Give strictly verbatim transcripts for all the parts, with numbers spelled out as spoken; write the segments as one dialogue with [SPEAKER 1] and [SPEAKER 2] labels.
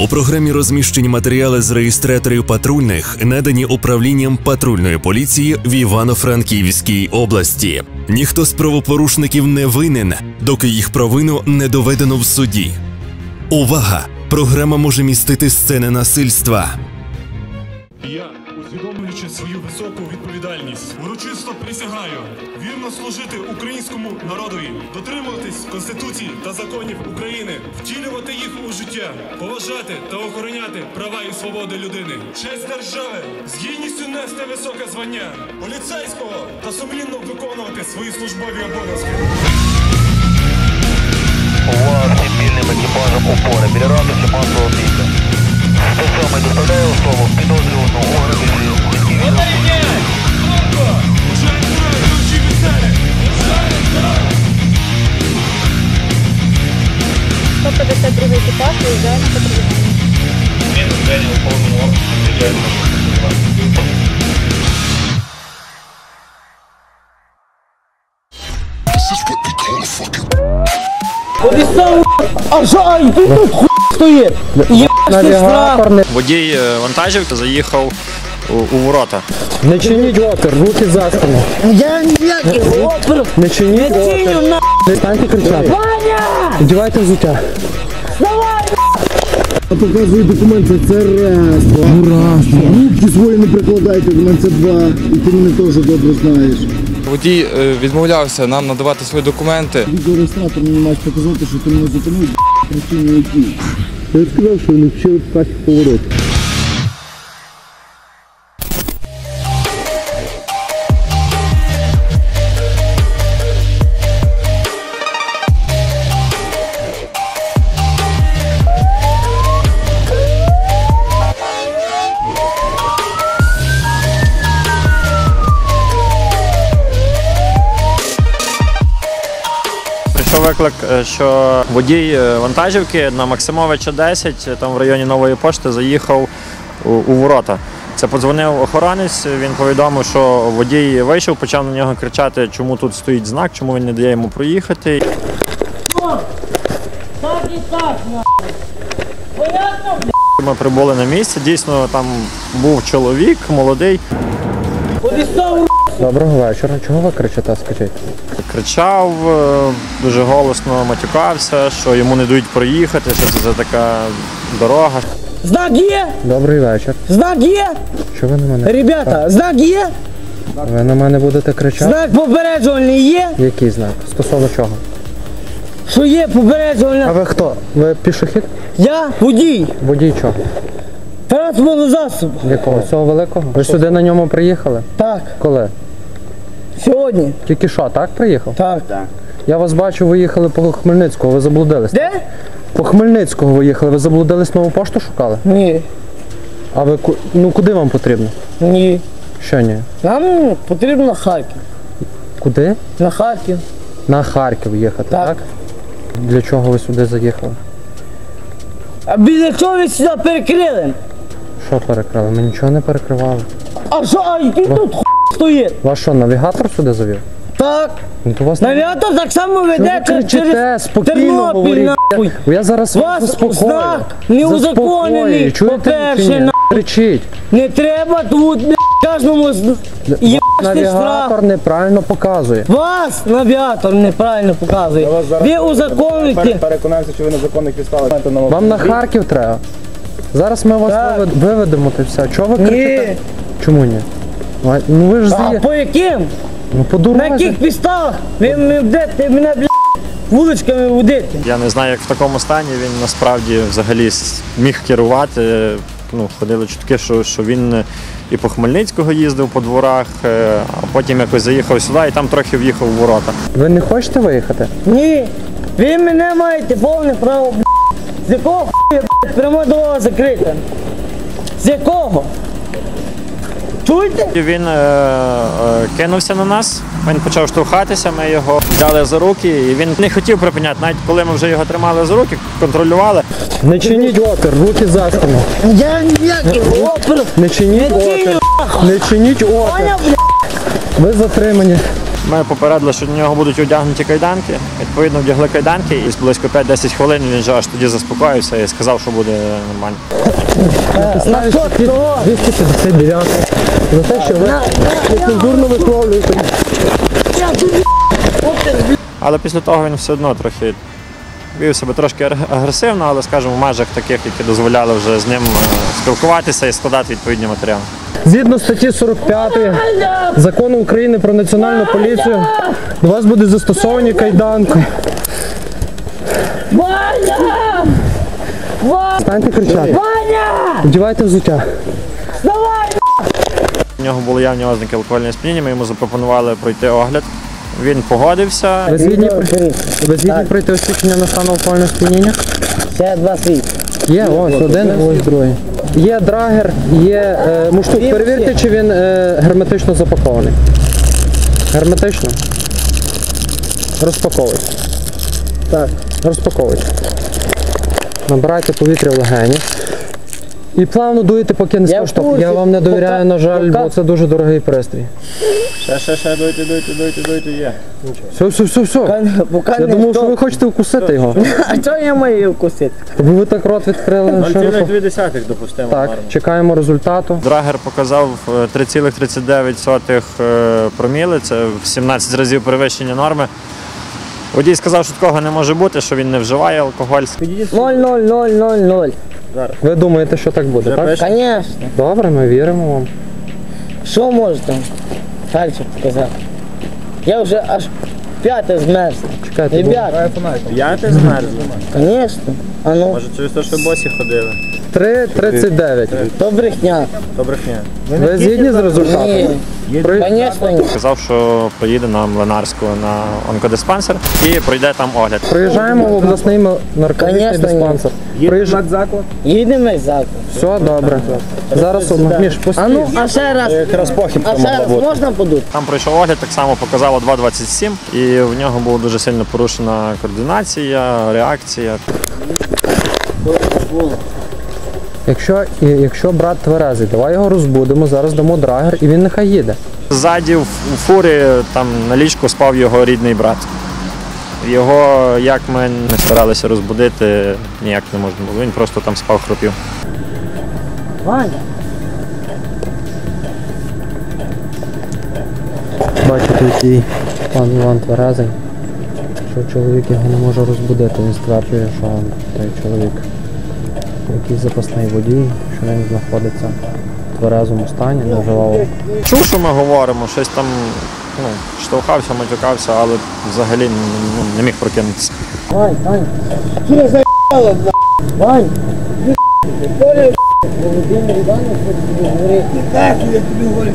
[SPEAKER 1] У програмі розміщені матеріали з реєстраторів патрульних, надані управлінням патрульної поліції в Івано-Франківській області. Ніхто з правопорушників не винен, доки їх провину не доведено в суді. Увага! Програма може містити сцени насильства.
[SPEAKER 2] Я, усвідомлюючи свою високу відповідальність, урочисто присягаю вірно служити українському народові, дотримуватись Конституції та законів України, втілювати їх у життя, поважати та охороняти права і свободи людини, честь держави, з гідністю нести високе звання поліцейського та сумлінно виконувати свої службові обов'язки.
[SPEAKER 3] Увага спільним екіпажем опори. Біля ратуші масового бійця. сто сьомий доставляє особу підозрювану у організації.
[SPEAKER 4] сто п'ятдесят другий екіпаж виїжджає на патрулювання.
[SPEAKER 3] Мінус Дені у повному обсязі приїжджає на патрулювання.
[SPEAKER 5] Обіцяв, а жаль, ти тут хуй стоїть. Навігатор.
[SPEAKER 6] Водій вантажівки заїхав у, у ворота.
[SPEAKER 5] Не чиніть опір, руки за спину. Я ніякий опір. Не чиніть опір. Не станьте кричати. Ваня! Одівайте взуття. Давай!
[SPEAKER 7] Показую документи, це раз. Раз. Руки свої не прикладайте, в мене це два. І ти мене теж добре знаєш.
[SPEAKER 8] Водій відмовлявся нам надавати свої документи.
[SPEAKER 7] Відеореєстратор мені маєш показати, що ти мене зупинив, причини які. Я сказав, що вони вчили в касі поворот.
[SPEAKER 6] Прийшов виклик, що водій вантажівки на Максимовича десять, там в районі Нової пошти, заїхав у, у ворота. Це подзвонив охоронець, він повідомив, що водій вийшов, почав на нього кричати, чому тут стоїть знак, чому він не дає йому проїхати. Ми прибули на місце, дійсно там був чоловік, молодий.
[SPEAKER 5] Доброго вечора. Чого ви кричите, скажіть?
[SPEAKER 6] Кричав, дуже голосно матюкався, що йому не дають проїхати, що це за така дорога.
[SPEAKER 5] Знак є?
[SPEAKER 7] Добрий вечір.
[SPEAKER 5] Знак є?
[SPEAKER 7] Що ви на мене?
[SPEAKER 5] Ребята, знак є?
[SPEAKER 7] Ви на мене будете кричати?
[SPEAKER 5] Знак попереджувальний є?
[SPEAKER 7] Який знак? Стосовно чого?
[SPEAKER 5] Що є попереджувальний?
[SPEAKER 7] А ви хто? Ви пішохід?
[SPEAKER 5] Я водій.
[SPEAKER 7] Водій чого?
[SPEAKER 5] Транспортного засобу.
[SPEAKER 7] Якого? Цього великого? Ви сюди на ньому приїхали?
[SPEAKER 5] Так.
[SPEAKER 7] Коли?
[SPEAKER 5] Сьогодні.
[SPEAKER 7] Тільки що, так приїхав?
[SPEAKER 5] Так.
[SPEAKER 7] Я вас бачу, ви їхали по Хмельницького, ви заблудились.
[SPEAKER 5] Де?
[SPEAKER 7] По Хмельницького ви їхали, ви заблудились, нову пошту шукали?
[SPEAKER 5] Ні.
[SPEAKER 7] А ви, ку- ну куди вам потрібно?
[SPEAKER 5] Ні.
[SPEAKER 7] Що ні?
[SPEAKER 5] Нам потрібно на Харків.
[SPEAKER 7] Куди?
[SPEAKER 5] На Харків.
[SPEAKER 7] На Харків їхати, так?
[SPEAKER 5] Так.
[SPEAKER 7] Для чого ви сюди заїхали?
[SPEAKER 5] А біля чого ви сюди перекрили?
[SPEAKER 7] Що перекрили? Ми нічого не перекривали.
[SPEAKER 5] А що, а який тут хуй стоїть?
[SPEAKER 7] Вас що, навігатор сюди завів?
[SPEAKER 5] Так.
[SPEAKER 7] Ну то вас
[SPEAKER 5] Навігатор так само веде
[SPEAKER 7] Що ви кричите?
[SPEAKER 5] через
[SPEAKER 7] Спокійно
[SPEAKER 5] Тернопіль,
[SPEAKER 7] говоріть.
[SPEAKER 5] нахуй.
[SPEAKER 7] Я зараз
[SPEAKER 5] Вас
[SPEAKER 7] заспокою.
[SPEAKER 5] знак не узаконений.
[SPEAKER 7] Заспокою. Чуєте,
[SPEAKER 5] По-перше,
[SPEAKER 7] чи ні?
[SPEAKER 5] нахуй.
[SPEAKER 7] Кричіть.
[SPEAKER 5] Не треба тут бля, кожному з- їбашний
[SPEAKER 7] Навігатор
[SPEAKER 5] штраф.
[SPEAKER 7] неправильно показує.
[SPEAKER 5] Вас навігатор неправильно показує. Ви узаконуєте.
[SPEAKER 9] Переконаємося, що ви на законних підставах.
[SPEAKER 7] Вам на Харків треба. Зараз ми вас
[SPEAKER 5] Так.
[SPEAKER 7] вивед- виведемо та все. Чого ви
[SPEAKER 5] Ні.
[SPEAKER 7] кричите? Чому ні? А, Ну ви ж
[SPEAKER 5] А
[SPEAKER 7] з'їхали.
[SPEAKER 5] по яким?
[SPEAKER 7] Ну по
[SPEAKER 5] На
[SPEAKER 7] дорозі.
[SPEAKER 5] яких підставах? Ви мене будете мене бля, вуличками водити.
[SPEAKER 6] Я не знаю, як в такому стані він насправді взагалі с- міг керувати. Ну, ходили чутки, що, що він і по Хмельницького їздив по дворах, е, а потім якось заїхав сюди і там трохи в'їхав у ворота.
[SPEAKER 7] Ви не хочете виїхати?
[SPEAKER 5] Ні, ви мене маєте повне право, бля. З якого хуя, бля, пряма дорога закрита? З якого? Чуєте?
[SPEAKER 6] І він е, е, кинувся на нас, він почав штовхатися, ми його взяли за руки, і він не хотів припиняти, навіть коли ми вже його тримали за руки, контролювали.
[SPEAKER 7] Не чиніть опір, руки за спину.
[SPEAKER 5] Я ніякий опір.
[SPEAKER 7] Не чиніть
[SPEAKER 5] Не чиню,
[SPEAKER 7] опір. Не чиніть опір.
[SPEAKER 5] Ваня, бля.
[SPEAKER 7] Ви затримані.
[SPEAKER 6] Ми попередили, що до нього будуть одягнуті кайданки. Відповідно, вдягли кайданки і близько п'ять-десять хвилин він вже аж тоді заспокоївся і сказав, що буде нормально.
[SPEAKER 5] На що того?
[SPEAKER 7] двісті п'ятдесят дев'ять. За те, що ви нецензурно висловлюєте.
[SPEAKER 6] Але після того він все одно трохи вів себе трошки агресивно, але, скажімо, в межах таких, які дозволяли вже з ним спілкуватися і складати відповідні матеріали.
[SPEAKER 7] Згідно статті сорок п'ять Закону України про національну поліцію, до вас будуть застосовані кайданки.
[SPEAKER 5] Ваня! Ваня!
[SPEAKER 7] Станьте кричати.
[SPEAKER 5] Ваня!
[SPEAKER 7] Вдівайте взуття.
[SPEAKER 5] Давай!
[SPEAKER 6] У нього були явні ознаки алкогольного сп'яніння, ми йому запропонували пройти огляд. Він погодився.
[SPEAKER 7] Ви згідні, ви згідні пройти освідчення на стан алкогольного сп'яніння?
[SPEAKER 5] Ще два світ.
[SPEAKER 7] Є, ось один, ось другий. Є драгер, є е, муштук. Перевірте, чи він е, герметично запакований. Герметично. Розпаковуйте. Так. Розпаковуйте. Набирайте повітря в легені. І плавно дуєте, поки не скоштовхне. Я вам не довіряю, на жаль, бо це дуже дорогий пристрій.
[SPEAKER 6] Ще, ще, ще, дуйте, дуйте, дуйте, дуйте, є.
[SPEAKER 7] Все, все, все, все. Я думав, що ви хочете вкусити його.
[SPEAKER 5] А чого я маю вкусити?
[SPEAKER 7] Бо ви так рот відкрили.
[SPEAKER 6] нуль
[SPEAKER 7] широко.
[SPEAKER 6] цілих дві десятих допустимо.
[SPEAKER 7] Так, чекаємо результату.
[SPEAKER 6] Драгер показав три цілих тридцять дев'ять сотих проміли, це в сімнадцять разів перевищення норми. Водій сказав, що такого не може бути, що він не вживає алкоголь.
[SPEAKER 5] Ноль, ноль, ноль, ноль, ноль.
[SPEAKER 7] Ви думаєте, що так буде, так?
[SPEAKER 5] Звісно.
[SPEAKER 7] Добре, ми віримо вам.
[SPEAKER 5] Що можете далі показати? Я вже аж п'яте змерз.
[SPEAKER 7] Чекайте,
[SPEAKER 5] Ребята,
[SPEAKER 6] П'яте змерзло?
[SPEAKER 5] звісно. А ну,
[SPEAKER 6] Може через те, що босі ходили?
[SPEAKER 7] три тридцять дев'ять.
[SPEAKER 5] то брехня.
[SPEAKER 6] То брехня.
[SPEAKER 7] Ви згідні з результатом?
[SPEAKER 5] Ні,
[SPEAKER 7] При-
[SPEAKER 5] звісно, ні.
[SPEAKER 6] Сказав, що поїде на Млинарську на онкодиспансер і пройде там огляд.
[SPEAKER 7] Приїжджаємо в обласний м- наркотичний
[SPEAKER 5] Конечно, ні.
[SPEAKER 7] диспансер. Приїжджаємо.
[SPEAKER 5] Їдемо заклад.
[SPEAKER 7] Все добре. Зараз одна. Міш,
[SPEAKER 5] А
[SPEAKER 7] постій.
[SPEAKER 5] ну, а ще раз. А ще раз можна подути?
[SPEAKER 6] Там пройшов огляд, так само показало два двадцять сім, і в нього була дуже сильно порушена координація, реакція.
[SPEAKER 7] Якщо, і- якщо брат тверезий, давай його розбудимо, зараз дамо драгер і він нехай їде.
[SPEAKER 6] Ззаді в в фурі там на ліжку спав його рідний брат. Його, як ми не старалися розбудити, ніяк не можна було. Він просто там спав, хропів.
[SPEAKER 5] Ваня.
[SPEAKER 7] Бачите, який пан Іван тверезий, що чоловік його не може розбудити. Він стверджує, що той чоловік якийсь запасний водій, що він знаходиться в тверезому стані, не вживав.
[SPEAKER 6] Чув, що ми говоримо, щось там ну, штовхався, матюкався, але взагалі ну, не міг прокинутися.
[SPEAKER 5] Вань, Вань. Що за***ало, бля? Вань. Володимир Іванович, тобі говорить. Так, я тобі говорю.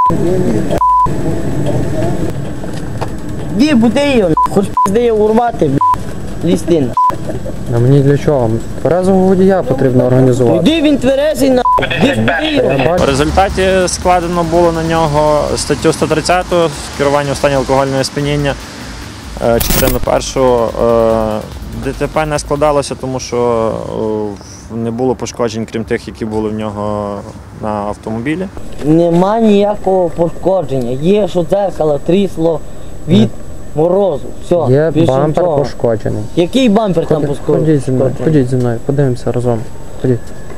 [SPEAKER 5] Ді, буди її, хоч пізди її урвати, бля. Лістин.
[SPEAKER 7] А мені для чого? Тверезого водія потрібно організувати.
[SPEAKER 5] Іди, він тверезий, на. Ді, буди його.
[SPEAKER 6] В результаті складено було на нього статтю сто тридцять керування у стані алкогольного сп'яніння, е, частину першу. Е, ДТП не складалося, тому що е, не було пошкоджень, крім тих, які були в нього на автомобілі.
[SPEAKER 5] Нема ніякого пошкодження. Є, що дзеркало трісло від морозу. Все,
[SPEAKER 7] Є
[SPEAKER 5] більше
[SPEAKER 7] бампер
[SPEAKER 5] нічого.
[SPEAKER 7] пошкоджений.
[SPEAKER 5] Який бампер там
[SPEAKER 7] Ходи-
[SPEAKER 5] пошкоджений?
[SPEAKER 7] Ходіть зі мною, ходіть зі мною, подивимося разом. Ходіть.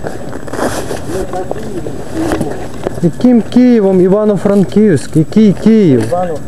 [SPEAKER 7] Яким Києвом, Івано-Франківськ? Який Київ?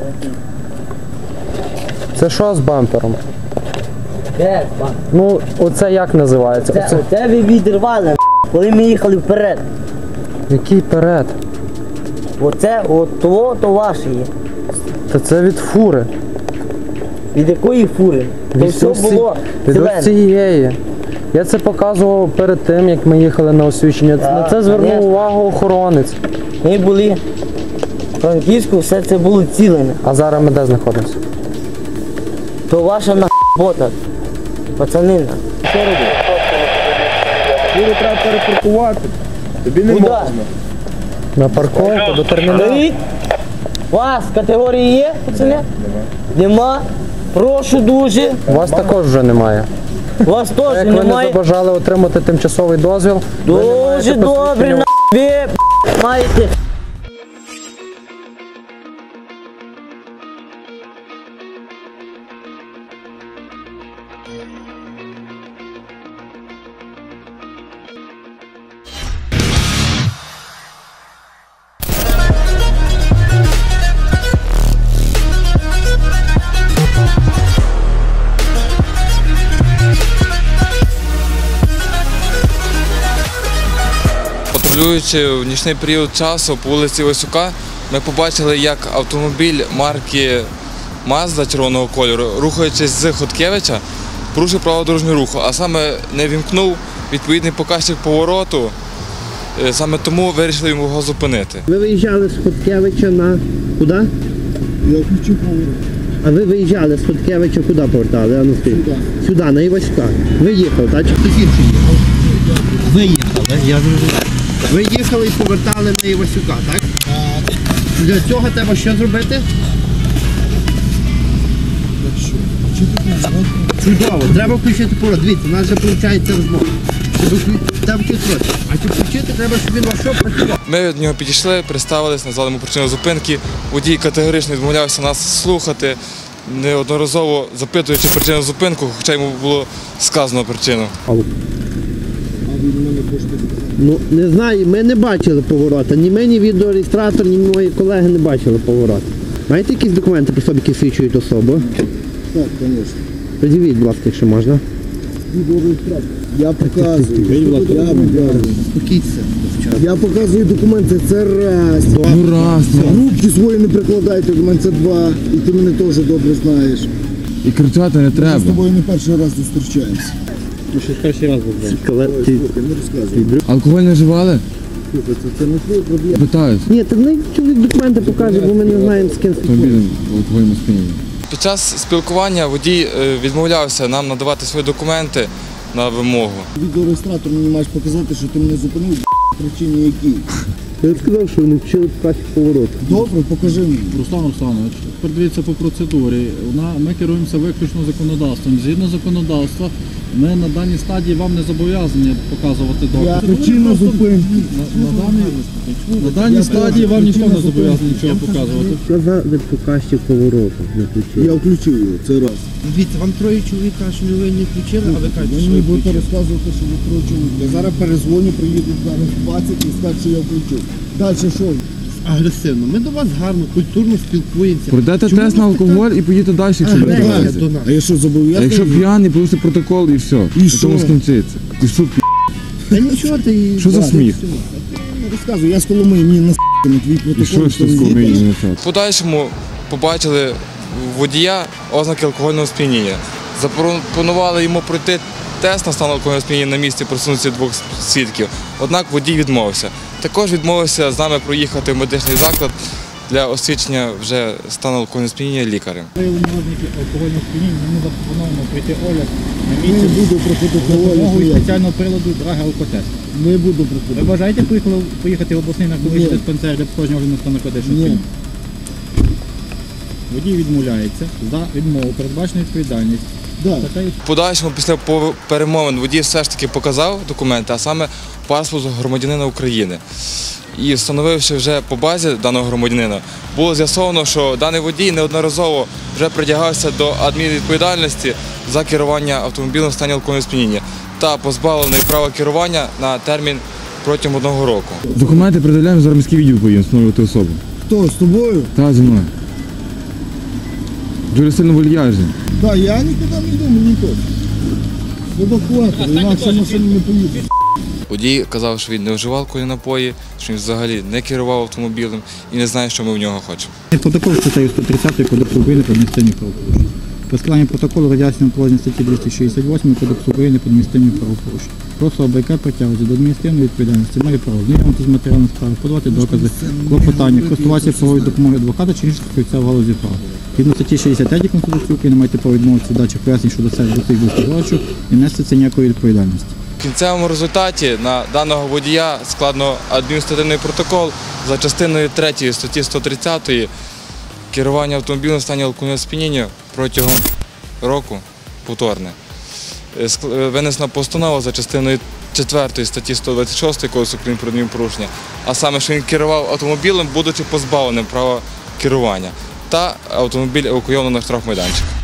[SPEAKER 7] Це що з бампером?
[SPEAKER 5] Де бампер?
[SPEAKER 7] Ну, оце як називається?
[SPEAKER 5] Це,
[SPEAKER 7] Оце...
[SPEAKER 5] оце ви відірвали, коли ми їхали вперед.
[SPEAKER 7] Який перед?
[SPEAKER 5] Оце, от того, то ваше є.
[SPEAKER 7] Та це від фури.
[SPEAKER 5] Від якої фури? То
[SPEAKER 7] Від
[SPEAKER 5] все
[SPEAKER 7] ось ці-
[SPEAKER 5] було
[SPEAKER 7] від ось
[SPEAKER 5] зелене.
[SPEAKER 7] цієї. Я це показував перед тим, як ми їхали на освічення.
[SPEAKER 5] Так,
[SPEAKER 7] На це звернув
[SPEAKER 5] конечно.
[SPEAKER 7] увагу охоронець.
[SPEAKER 5] Ми були в Франківську, все це було цілене.
[SPEAKER 7] А зараз ми де знаходимося?
[SPEAKER 5] То ваша нахбота, пацанина. Що робити?
[SPEAKER 9] Його треба перепаркувати. Тобі не
[SPEAKER 5] Куда?
[SPEAKER 9] можна.
[SPEAKER 7] На парковку до терміналу.
[SPEAKER 5] Беріть. У вас категорії є, пацани? Нема. Нема. Прошу дуже.
[SPEAKER 7] У вас також вже немає.
[SPEAKER 5] У вас теж
[SPEAKER 7] Як ви не
[SPEAKER 5] немає.
[SPEAKER 7] забажали отримати тимчасовий дозвіл, ви не маєте
[SPEAKER 5] Дуже добре,
[SPEAKER 7] посвідчення.
[SPEAKER 5] на ви маєте
[SPEAKER 8] Патрулюючи в нічний період часу по вулиці Васюка, ми побачили, як автомобіль марки Мазда червоного кольору, рухаючись з Хоткевича, порушив правила дорожнього руху, а саме не вімкнув відповідний показчик повороту, саме тому вирішили його зупинити.
[SPEAKER 10] Ви виїжджали з Хоткевича на куди?
[SPEAKER 9] Я включив поворот.
[SPEAKER 10] А ви виїжджали з Хоткевича куди повертали? А ну,
[SPEAKER 9] Сюди.
[SPEAKER 10] Сюди, на Іваська. Ви їхали, так? Чи хтось інший їхав? Ви їхали, я зрозумів. Ви їхали і повертали на Івасюка, так? Так. Для цього треба що зробити? Чудово, треба включити поворот. Дивіться, у нас вже виходить розмова. Треба включити. А щоб включити, треба, щоб він ваш що працював.
[SPEAKER 8] Ми від нього підійшли, представились, назвали йому причину зупинки. Водій категорично відмовлявся нас слухати, неодноразово запитуючи причину зупинку, хоча йому було сказано причину.
[SPEAKER 10] Ну, не знаю, ми не бачили поворота. Ні ми, ні відеореєстратор, ні мої колеги не бачили поворота. Маєте якісь документи при собі, які свідчують особу?
[SPEAKER 9] Так, звісно.
[SPEAKER 10] Подивіть, будь ласка, якщо можна.
[SPEAKER 9] Я показую. Я показую.
[SPEAKER 10] Спокійся.
[SPEAKER 9] Я показую документи, це раз.
[SPEAKER 10] Ну раз.
[SPEAKER 9] Руки свої не прикладайте до мене, це два. І ти мене теж добре знаєш.
[SPEAKER 11] І кричати не треба.
[SPEAKER 9] Ми з тобою не перший раз зустрічаємося.
[SPEAKER 10] Ну, ще перший раз був. Ти...
[SPEAKER 9] Не розказуй.
[SPEAKER 11] Алкоголь не вживали?
[SPEAKER 9] Слухай, це, це не твоє проблема.
[SPEAKER 11] Питаюсь.
[SPEAKER 10] Ні, так не чоловік документи покаже, бо ми не знаємо, з ким спілкуємося.
[SPEAKER 11] Автомобілем в алкогольному сп'янінні.
[SPEAKER 8] Під час спілкування водій відмовлявся нам надавати свої документи на вимогу.
[SPEAKER 9] Відеореєстратор мені маєш показати, що ти мене зупинив, причині які.
[SPEAKER 10] Я сказав, що вони вчили показчик повороту.
[SPEAKER 9] Добре, покажи мені.
[SPEAKER 12] Руслан Русланович, тепер дивіться по процедурі. Ми керуємося виключно законодавством. Згідно законодавства, ми на даній стадії вам не зобов'язані показувати докази.
[SPEAKER 9] Причина зупинки.
[SPEAKER 12] На, на, даній, на даній стадії вам ніхто не зобов'язаний нічого показувати.
[SPEAKER 10] Сказав показчик повороту, не включив.
[SPEAKER 9] Я включив його, це раз.
[SPEAKER 10] Дивіться, вам троє чоловік кажуть, що ви не включили, а ви кажете,
[SPEAKER 9] Ви
[SPEAKER 10] що
[SPEAKER 9] мені
[SPEAKER 10] ви
[SPEAKER 9] будете
[SPEAKER 10] включили.
[SPEAKER 9] розказувати, що ви троє чоловік. Я зараз перезвоню, приїду зараз двадцять і скажу, що я включив. Далі що?
[SPEAKER 10] Агресивно. Ми до вас гарно, культурно спілкуємося.
[SPEAKER 11] Пройдете
[SPEAKER 10] Чому
[SPEAKER 11] тест
[SPEAKER 10] ви
[SPEAKER 11] на алкоголь і поїдете далі, якщо
[SPEAKER 10] Ага,
[SPEAKER 11] будете
[SPEAKER 10] ага.
[SPEAKER 11] разі.
[SPEAKER 10] до нас?
[SPEAKER 9] А я що,
[SPEAKER 11] А
[SPEAKER 9] зобов'язаний?
[SPEAKER 11] якщо п'яний, порушите протокол і все.
[SPEAKER 9] І
[SPEAKER 11] На
[SPEAKER 9] що?
[SPEAKER 11] тому скінчиться. І що,
[SPEAKER 10] Та нічого ти...
[SPEAKER 11] що за
[SPEAKER 10] Да,
[SPEAKER 11] сміх?
[SPEAKER 9] Не розказуй, я з Коломиї, мені на на твій
[SPEAKER 11] І
[SPEAKER 9] протокол.
[SPEAKER 11] що ж ти з Коломиї не написав?
[SPEAKER 8] В подальшому побачили у водія ознаки алкогольного сп'яніння. Запропонували йому пройти тест на стан алкогольного сп'яніння на місці присутності двох свідків. Однак водій відмовився. Також відмовився з нами проїхати в медичний заклад для освідчення вже стану алкогольного сп'яніння лікарем.
[SPEAKER 12] Виявлені ознаки алкогольного сп'яніння, ми запропонуємо пройти огляд на
[SPEAKER 9] Не
[SPEAKER 12] місці
[SPEAKER 9] буду проходити
[SPEAKER 12] з допомогою
[SPEAKER 9] огляд.
[SPEAKER 12] спеціального приладу Драга Алкотест.
[SPEAKER 9] Не буду
[SPEAKER 12] Ви
[SPEAKER 9] проходити.
[SPEAKER 12] бажаєте поїхали- поїхати в обласний наркологічний
[SPEAKER 9] Ні.
[SPEAKER 12] диспансер для проходження огляду на стан наркотичного
[SPEAKER 9] Ні.
[SPEAKER 12] сп'яніння? Водій відмовляється за відмову, передбачена відповідальність.
[SPEAKER 9] Да.
[SPEAKER 12] Статтею
[SPEAKER 8] В подальшому після по- перемовин водій все ж таки показав документи, а саме паспорт громадянина України. І встановивши вже по базі даного громадянина, було з'ясовано, що даний водій неодноразово вже притягався до адмінвідповідальності за керування автомобілем в стані алкогольного сп'яніння та позбавлений права керування на термін протягом одного року.
[SPEAKER 11] Документи передавляємо, зараз міський відділ поїдемо встановлювати особу.
[SPEAKER 9] Хто, з тобою?
[SPEAKER 11] Та зі мною. Дуже сильно вольяжний.
[SPEAKER 9] Так, я нікуди не йду, мені то. Евакуатор, інакше машину не поїду.
[SPEAKER 8] Водій казав, що він не вживав алкогольні напої, що він взагалі не керував автомобілем і не знає, що ми в нього хочемо.
[SPEAKER 12] Протокол статтею сто тридцять Кодексу України про адміністративні правопорушення. При складанні протоколу роз'яснюємо положення статті двісті шістдесят вісім Кодексу України про адміністративні правопорушення. Просто АБК притягується до адміністративної відповідальності, має право знайомити з матеріалом справи, подавати докази, клопотання, користуватися правовою допомогою адвоката чи інших фахівця в галузі права. Згідно статті шістдесят третій Конституції України маєте право відмовитися від дачі пояснень щодо себе до цих висловлювачів і нести це ніякої відповідальності.
[SPEAKER 8] В кінцевому результаті на даного водія складено адміністративний протокол за частиною третьої статті сто тридцять керування автомобілем в стані алкогольного сп'яніння протягом року повторне. Винесена постанова за частиною четвертої статті сто двадцять шість Кодексу України про адмінправопорушення, а саме, що він керував автомобілем, будучи позбавленим права керування, та автомобіль евакуйовано на штрафмайданчик.